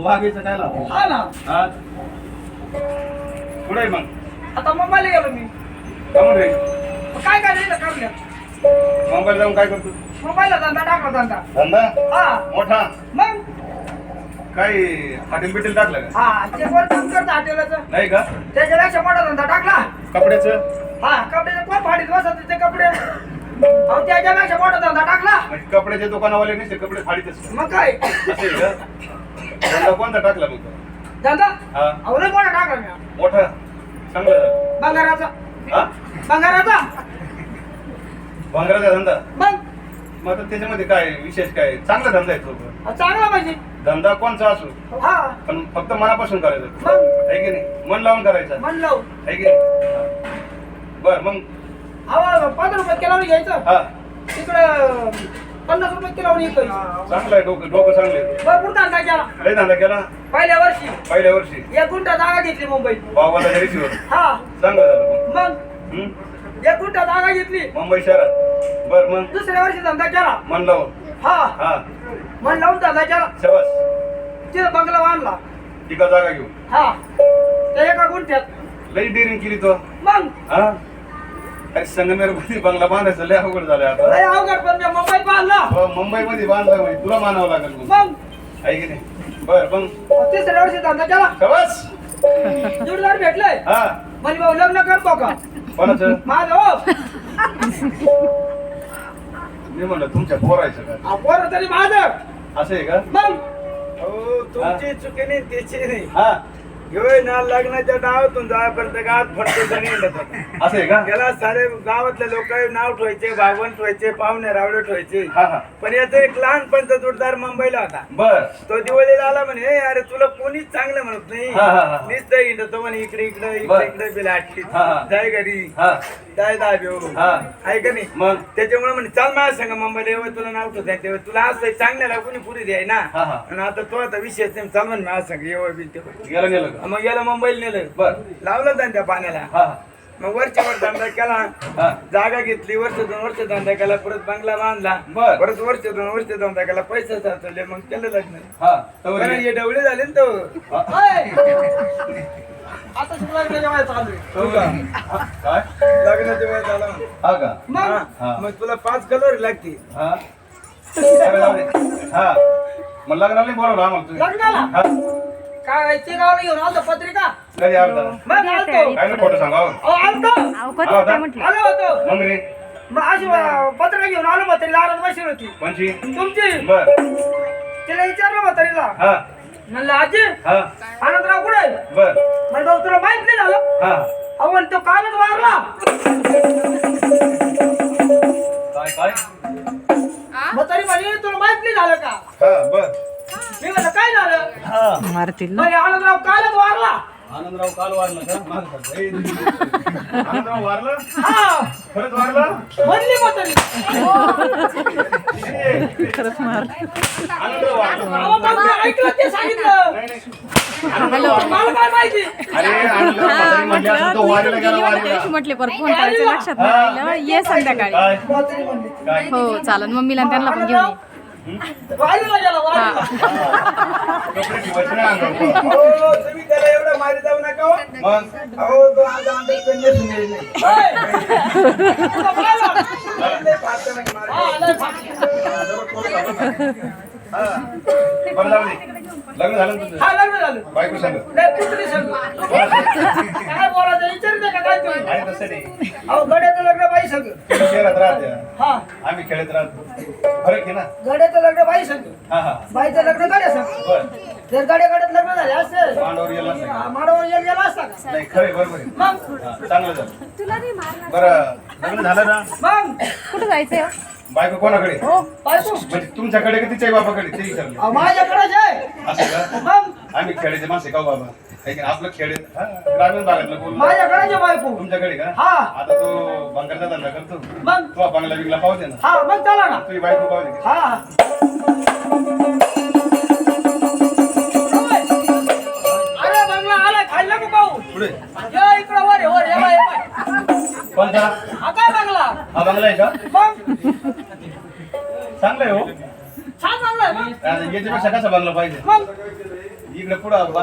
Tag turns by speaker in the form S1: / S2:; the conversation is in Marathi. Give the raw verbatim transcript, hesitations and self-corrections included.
S1: वाघायचं काय लाव?
S2: हा ना.
S1: हा कुठे मग?
S2: आता मुंबईला गेलो मी.
S1: कमून रे
S2: मग काय करायचं करण्यात?
S1: मुंबईला जाऊन काय करतो?
S2: मुंबईला धंदा टाकला धंदा.
S1: धंदा
S2: हा
S1: मोठा
S2: मग
S1: काही हॉटेल बिटेल टाकलं का?
S2: हा ते कोण काम करतं हॉटेलाचं?
S1: नाही का?
S2: त्याच्यापेक्षा मोठा धंदा टाकला.
S1: कपड्याचं
S2: हा कपड्याचे कोण फाडीत बसत ते कपडे? अहो त्याच्यापेक्षा मोठा धंदा टाकला.
S1: म्हणजे कपड्याच्या दुकानावाले नाही कपडे फाडीतच
S2: मग काय
S1: असे का? धंदा कोणता टाकला मग तो?
S2: धंदा?
S1: हा
S2: अहो लय मोठा टाकला मी.
S1: मोठा चांगला झाला.
S2: बंगाराचा.
S1: हा
S2: बंगाराचा.
S1: भांगराचा धंदा.
S2: मग
S1: मग आता त्याच्यामध्ये काय विशेष काय? चांगला धंदा आहे तो.
S2: अहो, चांगला पाहिजे.
S1: धंदा कोणचा असो
S2: हा
S1: पण फक्त मनापासून करायचं
S2: मग
S1: आहे की नाही? मन लावून करायचं
S2: मन लावून.
S1: आहे की नाही? बर मग
S2: अहो पंधरा रुपये किलोनी घ्यायचं.
S1: हा
S2: तिकडं पन्नास रुपये किलोनी येतोय.
S1: चांगलं आहे डोकं डोकं चांगलं आहे.
S2: भरपूर धंदा केला
S1: लय धंदा केला
S2: पहिल्या वर्षी.
S1: पहिल्या वर्षी
S2: एक गुंठा जागा घेतली मुंबईत.
S1: बाबाला रेशीवर
S2: हा
S1: चांगलं झालं मग.
S2: मग
S1: हम्म?
S2: एक गुंठा जागा घेतली.
S1: मुंबई शहरात बर मग
S2: दुसऱ्या वर्षी धंदा केला.
S1: मन लावून
S2: हा
S1: हा
S2: मन लावून धंदा केला.
S1: शबास
S2: तिथं बंगला बांधला.
S1: तिका जागा घेऊ
S2: हा त्या एका गुंठ्यात.
S1: लई डेअरिंग केली तो.
S2: मग
S1: हा अरे संगमेर मध्ये बंगला बांधायचं लय अवघड झालंय आता.
S2: लय अवघड पण मी मुंबईत बांधला.
S1: मुंबई मध्ये बांधला म्हणजे तुला मानावं लागेल मग
S2: मग
S1: आहे की नाही? बर मग
S2: तिसऱ्या वर्षी धंदा केला.
S1: शबास
S2: जोडदार भेटलंय.
S1: हा
S2: म्हणजे भाऊ लग्न करतो का?
S1: कोणाचं?
S2: माझं हो.
S1: मी म्हणलं तुमच्या पोरायचं काय
S2: अहो, पोरं तरी माझं.
S1: असं आहे का?
S2: मग
S3: हो तुमची चुकी नाही त्याची नाही
S1: हा
S3: होय ना लग्नाच्या डावातून जायपर्यंत गावात फडतो जणी येतात.
S1: असं आहे का?
S3: त्याला सारे गावातले लोक नाव ठेवायचे भागवण ठेवायचे पाहुणे रावळे ठेवायचे.
S1: हा हा
S3: पण याचा एक लहानपणचा जोडदार मुंबईला होता.
S1: बर
S3: तो दिवाळीला आला म्हणे "ए, अरे तुला कोणीच चांगलं म्हणत नाही
S1: हा, हा, हा.
S3: नुसतं हिंडतो म्हणे इकडे इकडे
S1: बर.
S3: इकडे इकडे बिलाटी
S1: हा, हा.
S3: जाय घरी
S1: हा
S3: जाय दाब्यो
S1: हा
S3: आहे का नाही?"
S1: मग
S3: त्याच्यामुळे म्हणे चाल माझ्या सांगा मुंबईला येऊ तुला नाव ठेवता तेव्हा तुला असं चांगल्याला कोणी पुरी द्याय ना.
S1: हा, हा.
S3: आणि आता तो आता विशेष नाही चाल म्हणे माझ्या सांग येऊ बी तेव्हा
S1: गेलं गेलं का?
S3: मग गेला मुंबईला नेलं
S1: बर
S3: लावलं त्यांनी त्या पाण्याला.
S1: हा
S3: मग वरच्या वर धंदा केला
S1: हा
S3: जागा घेतली वर्ष दोन वर्ष धंदा केला परत बंगला बांधला
S1: बर.
S3: परत वर्ष दोन वर्ष धंदा केला पैसे साचवले मग केलं लग्न.
S1: हा तवर
S3: कारण
S1: ये.
S3: हे डवळे झाले ना तो
S2: ओय. आता सुद्धा लग्नाच्या वयात चालू आहे.
S1: हो का? हा, काय
S3: लग्नाच्या वेळ झाला.
S1: हा का?
S2: मग
S3: हा.
S1: हा.
S3: मग तुला पाच कलर लागते.
S1: हा अरे जाऊ दे. हा मग लग्नाला नाही बोलावलं आम्हाला तुम्ही?
S2: लग्नाला
S1: हा
S2: काय ते गावाला घेऊन आलतो पत्रिका.
S1: कधी आलता?
S2: मग आलतो.
S1: काय ना खोटं सांगा हो.
S2: अहो, आलतो
S4: अहो कधी काय म्हटलं
S2: आलो होतो.
S1: मग रे
S2: मग अशी अं, पत्रिका घेऊन आलो म्हातारी दारात बसली होती
S1: कोणची?
S2: तुमची.
S1: बर
S2: तिला विचारलं म्हातारीला.
S1: हा
S2: म्हणलं आजी
S1: हा
S2: आनंदराव कुठे?
S1: बर
S2: म्हणजे भाऊ तुला माहित नाही झालं.
S1: हा
S2: अहो पण तो कालच वारला.
S1: काय काय?
S2: म्हातारी म्हणे तुला माहित नाही झालं का?
S1: हा बर
S2: मी म्हणलं काय झालं?
S4: मारतील ना
S2: म्हणे आनंदराव कालच वारला.
S1: आनंदराव काल वारला का? माग खात. ए, आनंदराव वारला?
S2: हा
S1: खरंच वारला?
S2: म्हणली म्हातारी.
S4: खरंच मार
S1: आनंदराव वारला.
S2: अहो, मग मी ऐकलं ते सांगितलं.
S1: नाही, नाही.
S4: हॅलो
S2: मला काय माहिती.
S1: अरे आनंदराव म्हातारी म्हणली असं तो वारीला गेला वारीला.
S4: म्हटले परत फोन करायचं लक्षात नाही राहिलं. ये संध्याकाळी
S1: काय
S2: म्हातारी म्हणली.
S1: काय
S4: हो चालन मम्मीला आणि त्यांना पण घेऊन ये
S2: वारीला गेला वारीला.
S1: कपडे ठेवायचे नाही अंगावर.
S3: अहो, तुम्ही त्याला एवढं मारी जाऊ नका हो.
S1: मग
S3: अहो तो आज आमच्या कन्यासून येईल नाही.
S2: होय. तुला बोलायला.
S3: लय फाटतं नाही मारी.
S2: हा, लय फाटलं.
S1: हा बरं जाऊ दे. लग्न झालं ना तुझं?
S2: हा, लग्न झालं.
S1: बायको सांग.
S2: लय पुतणी संग. काय बोलायचं विचारते का काय तुम्ही?
S1: आणि तसं नाही
S2: अहो गड्याचं लग्न बाई संग.
S1: तुम्ही शहरात राहते
S2: हा
S1: आम्ही खेळत राहतो फरक आहे ना.
S2: गड्याचं लग्न बाई संग.
S1: हा हा
S2: बाईचं लग्न गड्या संग.
S1: बर
S2: जर गड्या गड्यात लग्न झाले असते
S1: मांडवर गेला नसेल.
S2: माडावर येऊन गेला असता का?
S1: नाही खरं आहे, बरोबर आहे.
S2: मग
S1: हा, चांगलं झालं. बरं लग्न झालं ना?
S2: मग
S4: कुठं जायचंय हो?
S1: बायको कोणाकडे?
S2: हो बायको
S1: म्हणजे तुमच्याकडे का तिच्या बापाकडे ते विचारलं.
S2: अहो, माझ्याकडेच आहे.
S1: असं का?
S2: मग
S1: आम्ही खेळायचे मासे का बाबा? आहे की नाही? आपलं खेळ आहे. हा, ग्रामीण भागातलं बोल.
S2: माझ्याकडेच आहे बायको.
S1: तुमच्याकडे का?
S2: हा.
S1: आता तो बंगालचा धंदा करतो.
S2: मग
S1: तो बंगला बिंगला पाहू दे ना.
S2: हा मग चला ना.
S1: तुझी बायको पाहू दे.
S2: हा अरे बंगला आलाय खाल्लं का पाहू?
S1: पुढे
S2: ये इकडं वर ये, वर ये बाय, ये बाय.
S1: कोणता?
S2: हा काय बंगला?
S1: हा बंगला आहे का?
S2: मग
S1: चांगला आहे हो.
S2: छान बंगला आहे मग.
S1: आता याच्यापेक्षा कसा बंगला पाहिजे?
S2: मग
S1: इकडे पुढं